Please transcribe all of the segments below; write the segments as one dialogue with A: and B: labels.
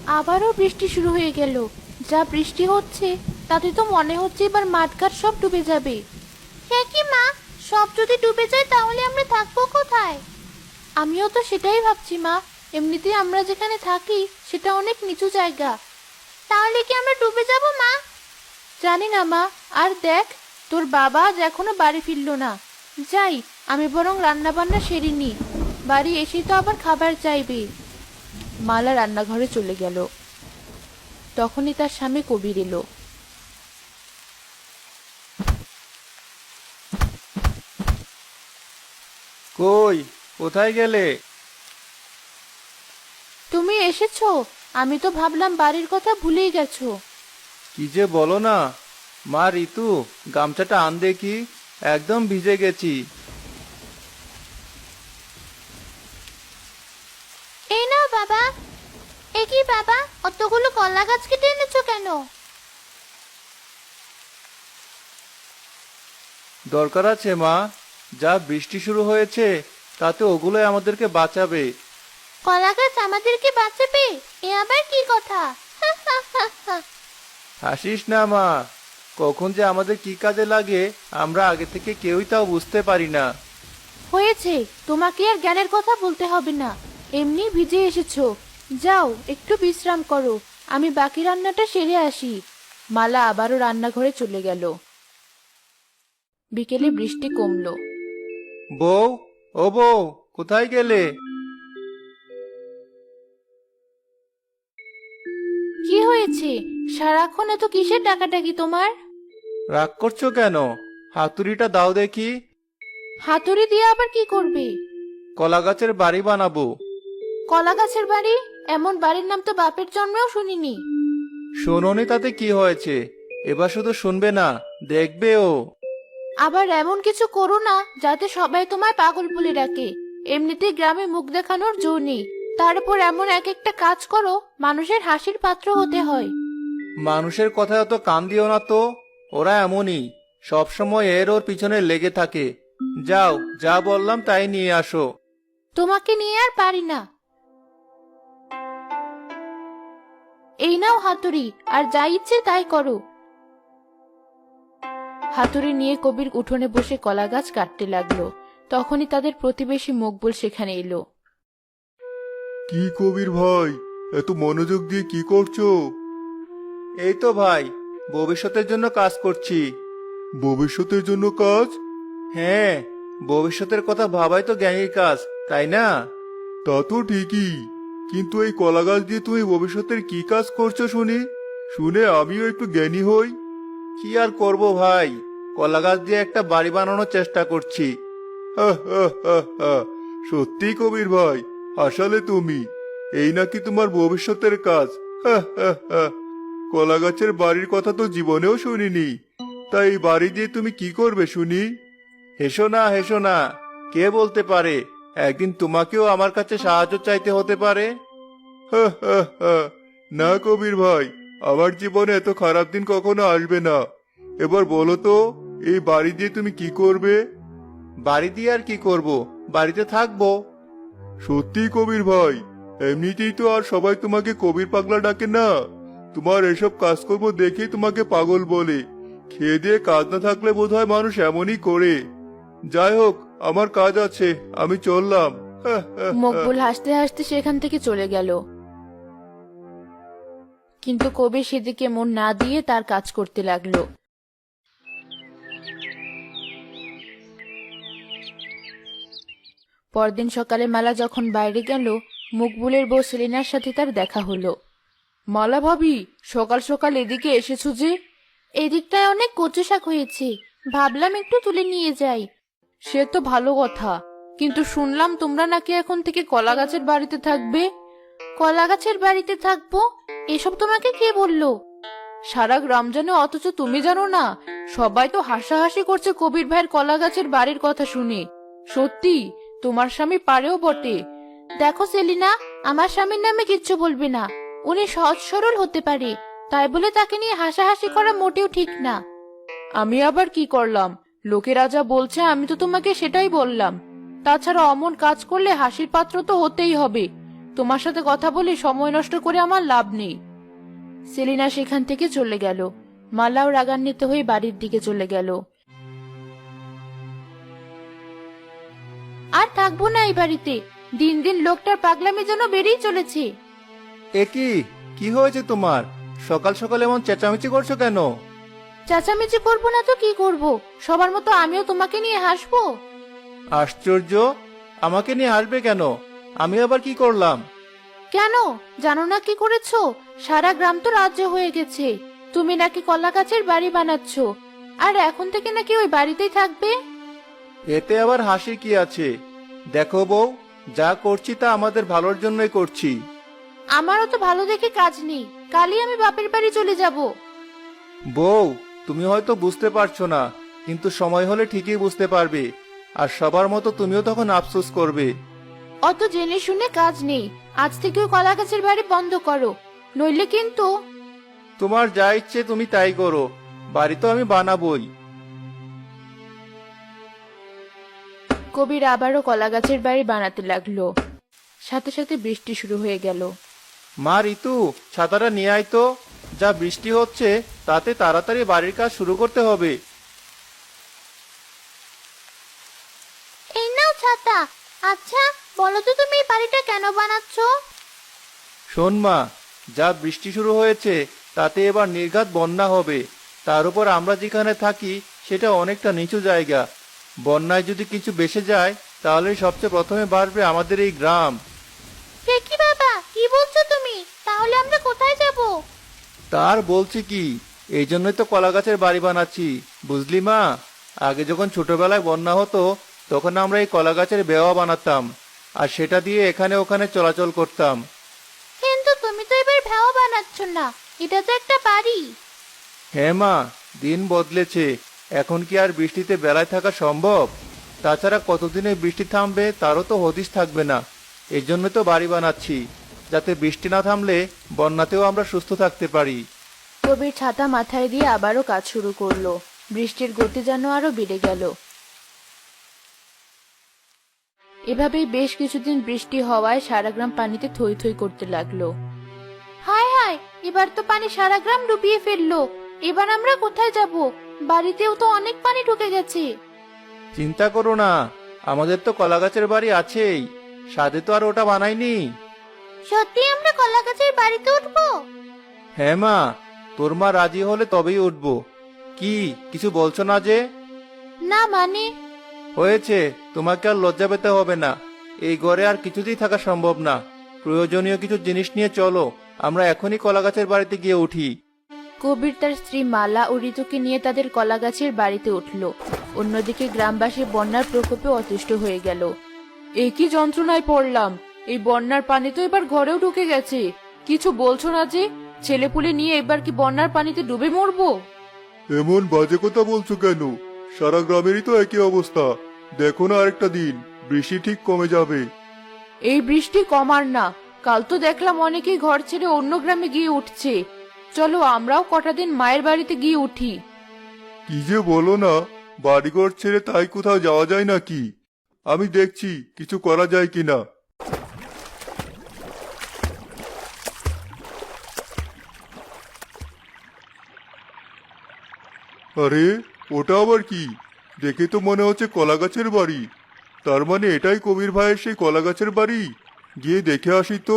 A: আবারও বৃষ্টি শুরু হয়ে গেল। যা বৃষ্টি হচ্ছে তাতে তো মনে হচ্ছে এবার মাঠঘাট সব ডুবে যাবে। হ্যাঁ কি মা, সব যদি ডুবে যায় তাহলে আমরা থাকবো কোথায়? আমিও তো সেটাই ভাবছি মা। এমনিতেই আমরা যেখানে থাকি সেটা অনেক নিচু জায়গা। তাহলে কি আমরা ডুবে যাব মা? জানি না মা। আর দেখ, তোর বাবা আজ এখনো বাড়ি ফিরলো না। যাই, আমি বরং রান্না বান্না সেরে নি। বাড়ি এসে তো আবার খাবার চাইবে। মালা রান্নাঘরে চলে গেল। তখনই তার স্বামী কবির এলো।
B: কই, কোথায় গেলে?
A: তুমি এসেছো? আমি তো ভাবলাম বাড়ির কথা ভুলেই গেছো।
B: কি যে বলো না। মা ঋতু, গামছাটা আন দেখি, একদম ভিজে গেছি।
A: এই নাও বাবা। এ কি বাবা, অতগুলো কলা গাছ কেটে এনেছো কেন?
B: দরকার আছে মা, যা বৃষ্টি শুরু হয়েছে তাতে ওগুলোই আমাদেরকে বাঁচাবে।
A: কলা গাছ আমাদেরকে বাঁচাবে? এ আবার কি কথা?
B: হাসিস না মা, কখন যে আমাদের কি কাজে লাগে আমরা আগে থেকে কেউই তাও বুঝতে পারি না।
A: হয়েছে, তোমাকে আর জ্ঞানের কথা বলতে হবে না। এমনি ভিজে এসেছো। যাও একটু বিশ্রাম করো, আমি বাকি রান্নাটা সেরে আসি। মালা আবারও রান্নাঘরে চলে গেল। বিকেলে বৃষ্টি কমলো।
B: বউ, ও বউ, কোথায় গেলে?
A: কি হয়েছে? সারাক্ষণ এত কিসের ডাকাডাকি তোমার?
B: রাগ করছো কেন? হাতুড়িটা দাও দেখি।
A: হাতুড়ি দিয়ে আবার কি করবে?
B: কলা গাছের বাড়ি বানাবো।
A: কলা গাছের বাড়ি? এমন বাড়ির নাম তো বাপের জন্মেও শুনিনি।
B: শোনোনি তাতে কি হয়েছে? এবার শুধু শুনবে না, দেখবেও।
A: আবার এমন কিছু করো না যাতে সবাই তোমায় পাগল বলে ডাকে। এমনিতেই গ্রামে মুখ দেখানোর জো নেই, তার উপর এমন এক একটা কাজ করো মানুষের হাসির পাত্র হতে হয়।
B: মানুষের কথায় অত কান দিও না তো, ওরা এমনই, সব সময় এর ওর পিছনে লেগে থাকে। যাও, যা বললাম তাই নিয়ে আসো।
A: তোমাকে নিয়ে আর পারি না। এই নাও হাতুড়ি, আর যা ইচ্ছে তাই করো। হাতুড়ি নিয়ে কবির উঠোনে বসে কলা গাছ কাটতে লাগলো। তখনই তাদের প্রতিবেশী মকবুল সেখানে এলো।
C: কি কবির ভাই, এত মনোযোগ দিয়ে কি করছো?
B: এই তো ভাই, ভবিষ্যতের জন্য কাজ করছি।
C: ভবিষ্যতের জন্য কাজ?
B: হ্যাঁ, ভবিষ্যতের কথা ভাবাই তো জ্ঞানীর কাজ, তাই না?
C: তা তো ঠিকই, কিন্তু এই কলা গাছ দিয়ে তুমি ভবিষ্যতের কি কাজ করছো শুনি, শুনে আমিও একটু জ্ঞানী হই।
B: কি আর করব ভাই, কলা গাছ দিয়ে একটা বাড়ি বানানোর চেষ্টা করছি।
C: হা হা হা হা, সত্যি কবির ভাই, আসলে তুমি, এই নাকি তোমার ভবিষ্যতের কাজ? হা হা হা, কলা গাছের বাড়ির কথা তো জীবনেও শুনিনি। তাই এই বাড়ি দিয়ে তুমি কি করবে শুনি?
B: হেসো না, হেসো না, কে বলতে পারে একদিন তোমাকেও আমার কাছে সাহায্য চাইতে হতে পারে।
C: হা হা হা, না কবির ভাই, আমার জীবনে এত খারাপ দিন কখনো আসবে না। এবার বলো তো, এই বাড়ি দিয়ে তুমি কি করবে?
B: বাড়ি দিয়ে আর কি করব, বাড়িতে থাকবো।
C: সত্যি কবির ভাই, এমনিতেই তো আর সবাই তোমাকে কবির পাগলা ডাকে না। তোমার এসব কাজকর্ম দেখেই তোমাকে পাগল বলে। খেয়ে দিয়ে কাজ না থাকলে বোধহয় মানুষ এমনই করে। যাই হোক, আমার কাজ আছে, আমি চললাম। হা, হা, হা।
A: মকবুল হাসতে হাসতে সেখান থেকে চলে গেল। কিন্তু কবির সেদিকে মন না দিয়ে তার কাজ করতে লাগলো। পরদিন সকালে মালা যখন বাইরে গেল, মকবুলের বউ সেলিনার সাথে তার দেখা হলো। মালা ভাবি, সকাল সকাল এদিকে এসেছো যে? এদিকটায় অনেক কচু শাক হয়েছে, ভাবলাম একটু তুলে নিয়ে যাই। সে তো ভালো কথা, কিন্তু শুনলাম তোমরা নাকি এখন থেকে কলা গাছের বাড়িতে থাকবে। কলা গাছের বাড়িতে থাকবো? এসব তোমাকে কে বললো? সারা গ্রাম জানে অথচ তুমি জানো না? সবাই তো হাসাহাসি করছে কবির ভাইয়ের কলা গাছের বাড়ির কথা শুনে। সত্যি, তোমার স্বামী পারেও বটে। দেখো সেলিনা, আমার স্বামীর নামে কিচ্ছু বলবে না। উনি সহজ সরল হতে পারে, তাই বলে তাকে নিয়ে হাসাহাসি করা মোটেও ঠিক না। আমি আবার কি করলাম? লোকেরা যা বলছে আমি তো তোমাকে সেটাই বললাম। তাছাড়া অমন কাজ করলে হাসির পাত্র তো হতেই হবে। তোমার সাথে কথা বলে সময় নষ্ট করে আমার লাভ নেই। সেলিনা সেখান থেকে চলে গেল। মালাও রাগান্বিত হয়ে বাড়ির দিকে চলে গেল। আর থাকবো না এই বাড়িতে। দিন দিন লোকটার পাগলামি যেন বেড়েই চলেছে।
B: এ কি হয়েছে তোমার? সকাল সকাল এমন চেঁচামেচি করছো কেন?
A: চেঁচামেচি করবো না তো কি করব? সবার মতো আমিও তোমাকে নিয়ে হাসবো?
B: আশ্চর্য, আমাকে নিয়ে হাসবে কেন? আমি আবার কি করলাম?
A: কেন জানো না কি করেছো? সারা গ্রাম তো রাজ্য হয়ে গেছে। তুমি নাকি কলা গাছের বাড়ি বানাচ্ছ, আর এখন থেকে নাকি ওই বাড়িতেই থাকবে।
B: এতে আবার হাসি কি আছে? দেখো বউ, যা করছি তা আমাদের ভালোর জন্যই করছি।
A: আমারও তো ভালো দেখে কাজ নেই, কালই আমি বাপের বাড়ি চলে যাব।
B: বউ, তুমি হয়তো বুঝতে পারছো না, কিন্তু সময় হলে ঠিকই বুঝতে পারবে। আর সবার মতো তুমিও তখন আফসোস করবে।
A: অত জেনে শুনে কাজ নেই। আজ থেকে ওই কলা গাছের বাড়ি বন্ধ করো, নইলে কিন্তু।
B: তোমার যা ইচ্ছে তুমি তাই করো, বাড়ি তো আমি বানাবোই।
A: কবির আবারও কলা গাছের বাড়ি বানাতে লাগলো। সাথে সাথে বৃষ্টি শুরু হয়ে গেল।
B: মা ঋতু, ছাতাটা নিয়ে আয় তো। যা বৃষ্টি হচ্ছে তাতে তাড়াতাড়ি বাড়ির কাজ শুরু করতে হবে।
A: এই নাও ছাতা। আচ্ছা বলো তো, তুমি এই বাড়িটা কেন বানাচ্ছ?
B: শোন মা, যা বৃষ্টি শুরু হয়েছে তাতে এবার নির্ঘাত বন্যা হবে। তার উপর আমরা যেখানে থাকি সেটা অনেকটা নিচু জায়গা। বন্যায় যদি কিছু ভেসে যায় তাহলে সবচেয়ে প্রথমে বাড়বে আমাদের এই গ্রাম।
A: সে কি বাবা, কি বলছো তুমি? তাহলে আমরা কোথায় যাব?
B: তার বলছি কি, এই জন্যই তো কলা গাছের বাড়ি বানাচ্ছি, বুঝলি মা। আগে যখন ছোটবেলায় বন্যা হতো তখন আমরা এই কলা গাছের বেওয়া বানাতাম, আর সেটা দিয়ে এখানে ওখানে চলাচল করতাম।
A: কিন্তু তুমি তো এবার ভেড়া বানাচ্ছ না, এটা তো একটা বাড়ি।
B: হ্যাঁ মা, দিন বদলেছে। এখন কি আর বৃষ্টিতে বেলায় থাকা সম্ভব? তাছাড়া কতদিনে বৃষ্টি থামবে তারও তো হদিশ থাকবে না। এই জন্য তো বাড়ি বানাচ্ছি, যাতে বৃষ্টি না থামলে বন্যাতেও আমরা সুস্থ থাকতে পারি।
A: কবির ছাতা মাথায় দিয়ে আবারও কাজ শুরু করলো। বৃষ্টির গতি যেন আরো বেড়ে গেল। এভাবেই বেশ কিছুদিন বৃষ্টি হওয়ায় সারা গ্রাম পানিতে থই থই করতে লাগলো। হায় হায়, এবার তো পানি সারা গ্রাম ডুবিয়ে ফেললো। এবার আমরা কোথায় যাব? বাড়িতেও তো অনেক পানি ঢুকে গেছে।
B: চিন্তা করো না, আমাদের তো কলা গাছের বাড়ি আছেই। সাধে তো আর ওটা বানাইনি।
A: সত্যি আমরা কলা গাছের বাড়িতে উঠবো?
B: হ্যাঁ মা, তোর মা রাজি হলে তবেই উঠবো। কি কিছু বলছো না যে?
A: না মানে?
B: হয়েছে, তোমাকে আর লজ্জা পেতে হবে না। এই ঘরে আর কিছুতেই থাকা সম্ভব না। প্রয়োজনীয় কিছু জিনিস নিয়ে চলো, আমরা এখনই কলা গাছের বাড়িতে গিয়ে উঠি।
A: কবির তার স্ত্রী মালা ও ঋতুকে নিয়ে তাদের কলা গাছের বাড়িতে উঠল। অন্যদিকে গ্রামবাসী বন্যার প্রকোপে অতিষ্ঠ হয়ে গেল। এই কি যন্ত্রণায় পড়লাম! এই বন্যার পানি তো এবার ঘরেও ঢুকে গেছে। কিছু বলছো না যে? ছেলেপুলে নিয়ে এবার কি বন্যার পানিতে ডুবে মরবো?
C: এমন বাজে কথা বলছো কেন? সারা গ্রামেরই তো একই অবস্থা। দেখো না, আরেকটা দিন বৃষ্টি ঠিক কমে যাবে।
A: এই বৃষ্টি কমার না। কাল তো দেখলাম অনেকেই ঘর ছেড়ে অন্য গ্রামে গিয়ে উঠছে। চলো আমরাও কটা দিন মায়ের বাড়িতে গিয়ে উঠি।
C: কি যে বলো না, বাড়িঘর ছেড়ে তাই কোথাও যাওয়া যায় নাকি? আমি দেখছি কিছু করা যায় কিনা। আরে, ওটা আবার কি? দেখে তো মনে হচ্ছে কলা গাছের বাড়ি। তার মানে এটাই কবির ভাইয়ের সেই কলা গাছের বাড়ি। গিয়ে দেখে আসি তো।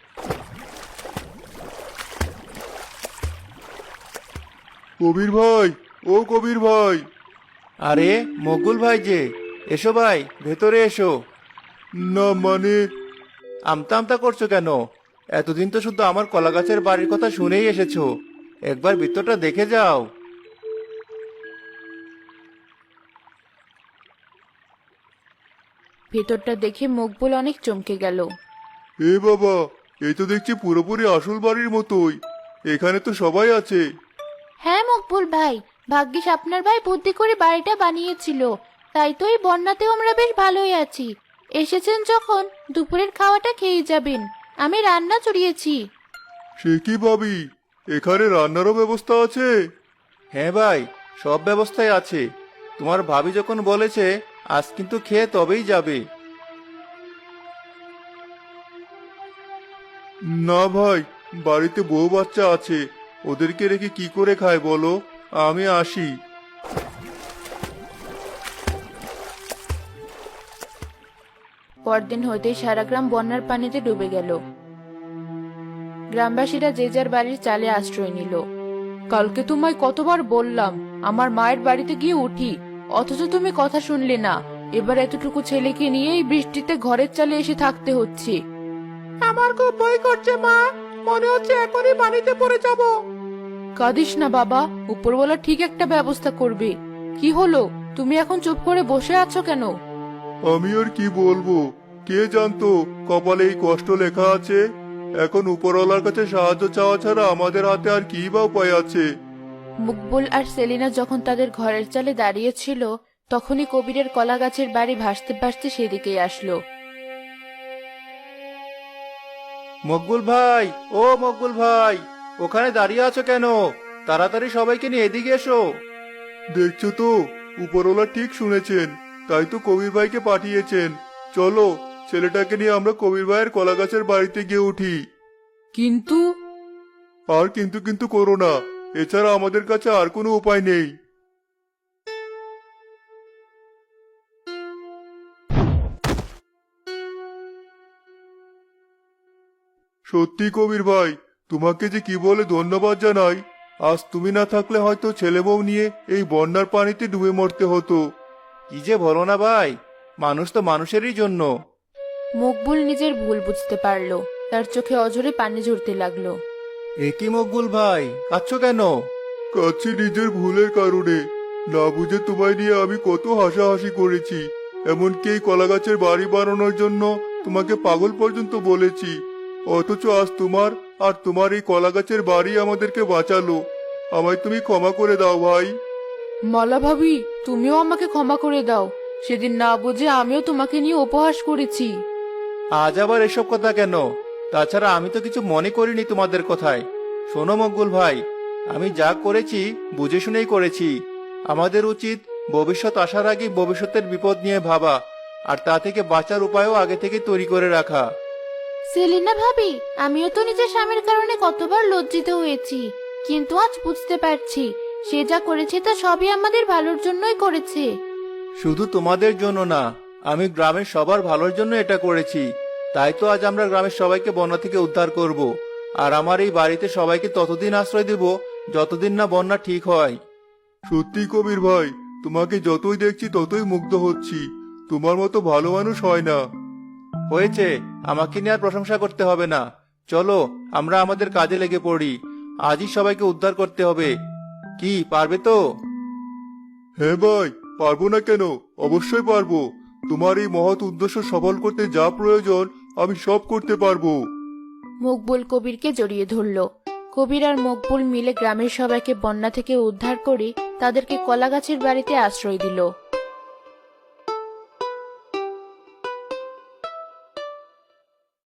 C: কবির ভাই, ও কবির ভাই!
B: আরে মকবুল ভাই যে, এসো ভাই, ভেতরে এসো।
C: না মানে,
B: আমতা আমতা করছো কেন? এতদিন তো শুধু আমার কলা গাছের বাড়ির কথা শুনেই এসেছো। একবার ভিতরটা দেখে যাও।
A: ভেতরটা দেখে মকবুল অনেক চমকে গেল।
C: এ বাবা, এই তো দেখছি পুরোপুরি আসল বাড়ির মতোই। এখানে তো সবাই আছে।
A: হ্যাঁ মকবুল ভাই, ভাগ্যিস আপনার ভাই বুদ্ধি করে বাড়িটা বানিয়েছিল। তাই তো এই বন্যাতেও আমরা বেশ ভালোই আছি। এসেছেন যখন দুপুরের খাওয়াটা খেয়ে যাবেন। আমি রান্না চড়িয়েছি।
C: সে কি ভাবি, এখানে রান্নারও ব্যবস্থা আছে?
B: হ্যাঁ ভাই, সব ব্যবস্থাই আছে। তোমার ভাবি যখন বলেছে আজ কিন্তু খেয়ে তবেই যাবে।
C: না ভাই, বাড়িতে বউ বাচ্চা আছে, ওদেরকে রেখে কি করে খায় বলো? আমি আসি।
A: পরদিন হইতেই সারা গ্রাম বন্যার পানিতে ডুবে গেল। গ্রামবাসীরা যে যার বাড়ির চালে আশ্রয় নিল। কালকে তোমায় কতবার বললাম আমার মায়ের বাড়িতে গিয়ে উঠি, অথচ তুমি কথা শুনলে না। এবার এতটুকু ছেলেকে নিয়ে এই বৃষ্টিতে ঘরের চালে এসে থাকতে হচ্ছে। আমার খুব ভয় করছে মা, মনে হচ্ছে এখনই পানিতে পড়ে যাব। কাঁদিস না বাবা, উপরওয়ালা ঠিক একটা ব্যবস্থা করবে। কি হলো, তুমি এখন চুপ করে বসে আছো কেন?
C: আমি আর কি বলবো, কে জানতো কপালে এই কষ্ট লেখা আছে। এখন উপরওয়ালার কাছে সাহায্য চাওয়া ছাড়া আমাদের হাতে আর কি বা উপায় আছে।
A: মকবুল আর সেলিনা যখন তাদের ঘরের চালে দাঁড়িয়েছিল, তখনই কবিরের কলা গাছের বাড়ি ভাসতে ভাসতে সেদিকেই আসলো।
B: মকবুল ভাই, ও মকবুল ভাই, ওখানে দাঁড়িয়ে আছো কেন? তাড়াতাড়ি সবাইকে নিয়ে এদিকে এসো।
C: দেখছো তো, উপরওয়ালা ঠিক শুনেছেন, তাই তো কবির ভাইকে পাঠিয়েছেন। চলো, ছেলেটাকে নিয়ে আমরা কবির ভাইয়ের কলা গাছের বাড়িতে গিয়ে উঠি।
A: কিন্তু
C: আর কিন্তু কিন্তু করো না, এছাড়া আমাদের কাছে আর কোনো উপায় নেই। সত্যি কবির ভাই, তোমাকে যে কি বলে ধন্যবাদ জানাই। আজ তুমি না থাকলে হয়তো ছেলে বউ নিয়ে এই বন্যার পানিতে ডুবে মরতে হতো।
B: কি যে বলো না ভাই, মানুষ তো মানুষেরই জন্য।
A: মকবুল নিজের ভুল বুঝতে পারলো, তার চোখে অঝরে পানি ঝরতে লাগলো।
B: এ কি মকবুল ভাই, কাঁদছো কেন?
C: কাছে নিজের ভুলের কারণে, না বুঝে তোমায় নিয়ে আমি কত হাসাহাসি করেছি। এমনকি এই কলা গাছের বাড়ি বানানোর জন্য তোমাকে পাগল পর্যন্ত বলেছি। অথচ আজ তোমার আর তোমার এই কলা গাছের বাড়ি আমাদেরকে বাঁচালো। আমায় তুমি ক্ষমা করে দাও ভাই।
A: মালা ভাবি, তুমিও আমাকে ক্ষমা করে দাও। সেদিন না বুঝে আমিও তোমাকে নিয়ে উপহাস করেছি।
B: আজ আবার এসব কথা কেন? তাছাড়া আমি তো কিছু মনে করিনি তোমাদের কথায়। শোনো মকবুল ভাই, আমি যা করেছি বুঝে শুনেই করেছি। আমাদের উচিত ভবিষ্যৎ আসার আগে ভবিষ্যতের বিপদ নিয়ে ভাবা, আর তা থেকে বাঁচার উপায়ও আগে থেকে তৈরি করে রাখা।
A: সেলিনা ভাবি, আমিও তো নিজের স্বামীর কারণে কতবার লজ্জিত হয়েছি, কিন্তু আজ বুঝতে পারছি সে যা করেছে তা সবই আমাদের ভালোর জন্যই করেছে।
B: শুধু তোমাদের জন্য না, আমি গ্রামের সবার ভালোর জন্য এটা করেছি। তাই তো আজ আমরা গ্রামের সবাইকে বন্যা থেকে উদ্ধার করব, আর আমার এই বাড়িতে সবাইকে ততদিন আশ্রয় দেব যতদিন না বন্যা ঠিক হয়।
C: সত্যি কবির ভাই, তোমাকে যতই দেখছি ততই মুগ্ধ হচ্ছি। তোমার মতো ভালো মানুষ হয় না।
B: হয়েছে, আমাকে নিয়ে আর প্রশংসা করতে হবে না। চলো, আমরা আমাদের কাজে লেগে পড়ি। আজই সবাইকে উদ্ধার করতে হবে। কি পারবে তো?
C: হ্যাঁ ভাই, পারবো না কেন, অবশ্যই পারবো। তোমার এই মহৎ উদ্দেশ্য সফল করতে যা প্রয়োজন আমি সব করতে পারবো।
A: মকবুল কবিরকে জড়িয়ে ধরল। কবির আর মকবুল মিলে গ্রামের সবাইকে বন্যা থেকে উদ্ধার করে তাদেরকে কলা গাছের বাড়িতে আশ্রয় দিল।